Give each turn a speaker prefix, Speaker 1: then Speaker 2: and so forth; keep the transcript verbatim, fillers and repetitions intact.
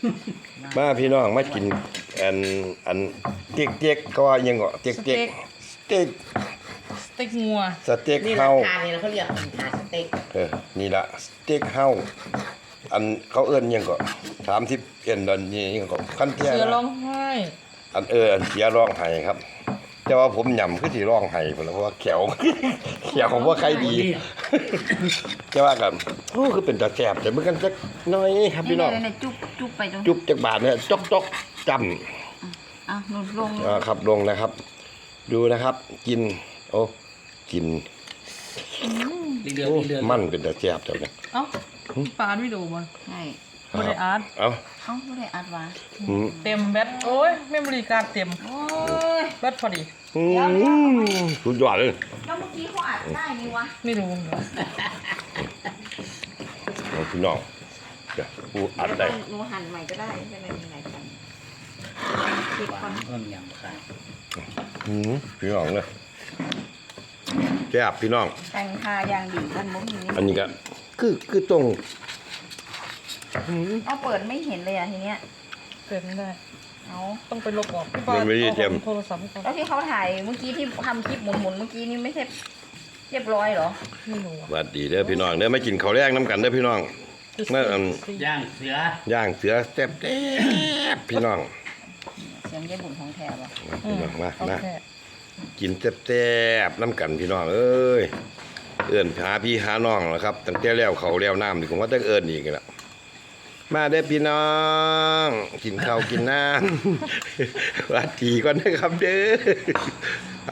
Speaker 1: มาพี่น้องมากินอันอันเต็กเต็กก็ว่ายังก็เต็กเต็กสเต็ก
Speaker 2: สเต็กงัว
Speaker 1: สเต็ก
Speaker 3: นี่
Speaker 1: เฮา
Speaker 3: ราคาเนี่ยเขาเรียกเป็นขาสเต็ก
Speaker 1: เออนี่ละสเต็กเฮาอันเขาเอิ้นยังก็สามสิบเอ็นดอนนี่ยังก็คันเทีย
Speaker 2: เสือร้อ
Speaker 1: นะ
Speaker 2: งไห้
Speaker 1: อันเอออันเสียร้องไห้ครับ แต่ว่าผมยำคือสิร้องไห้พุ่นล่ะเพราะว่าแขว แขวของว่าใครดี แต่ว่ากันโอ้คือเป็นตาแซ่บแต่เมื่อกันจักหน้อยครับพี่น้อง
Speaker 4: เนี่ยจุ๊บจุ๊บไปตรง
Speaker 1: จุ๊บจักบาทเนี่ยจกจกจำ
Speaker 4: อ่ะหนุนลง
Speaker 1: อ่าครับลงนะครับ ดูนะครับ กิน โอ้กิน
Speaker 3: เดือด
Speaker 1: โอ้
Speaker 3: เดือด
Speaker 1: มันเป็นตาแซ่บจังเลย
Speaker 2: เอ้าปาดไม่ดูมัน
Speaker 4: ใช่
Speaker 2: บริอาร์ต
Speaker 1: เอ้า
Speaker 4: เอ้าไม่ได้อัดวะ
Speaker 1: อืม
Speaker 2: เต็มแบตโอ้ยเมมโมรี่การ์ดเต็ม
Speaker 4: โอ้ย
Speaker 2: แบตพอดี
Speaker 1: อืมสุดยอดเลย
Speaker 4: แล้วเมื่อกี้เขาอัดได้นี่วะ
Speaker 2: ไม่รู้เหรอ
Speaker 1: เอาพี่น้องเดี๋ยวกูอัดได้
Speaker 4: หนูหั่นใหม่ก็ได้ไม่เป็นไรมีหลายชั้นปิดก่อน
Speaker 3: เพิ่มยำขาด
Speaker 1: อืมพี่น้องเลยแซ่บพี่น้อง
Speaker 4: แต่งทายางดีกันมุ้งนี้
Speaker 1: อันนี้ก็คือคือตรงอืม
Speaker 4: เอาเปิดไม่เห็นเลยอ่ะทีเนี้ย
Speaker 2: เปิดไม่ได้
Speaker 4: เอา
Speaker 2: ต้องไปลบออกพี่ปาด
Speaker 1: มันไม่ได้เตรียม
Speaker 2: อาโทรศัพท์ให้เขา
Speaker 4: แล้วที่เขาถ่ายเมื่อกี้ที่ทำคลิปหมุนๆเมื่อกี้นี่ไม่ใช่เรียบร้อยเหรอ
Speaker 2: ไม่รู้อะ
Speaker 1: สวัสดีเด้อพี่น้องเด้อมากินข้าวแรงน้ำกันเด้อพี่น้องเมื่ออัน
Speaker 3: ย่างเสือย่าง
Speaker 1: เสือแซ่บแซ่บพี่น้อง
Speaker 4: เสียงยายบุญของแถบอ่ะ
Speaker 1: มาพี่น้องมา
Speaker 2: โอ
Speaker 1: มา
Speaker 2: เค
Speaker 1: กินแซ่บๆน้ำกันพี่น้องเอ้ยเอิ้นหาพี่หาน้องแล้วครับตั้งแต่แล้วเขาแล้วน้ำนี่ผมว่าต้องเอิ้นอีกแล้วมาเด้อพี่น้องกินข้าวกินน้ำ สวัสดีก่อนนะครับเด้อ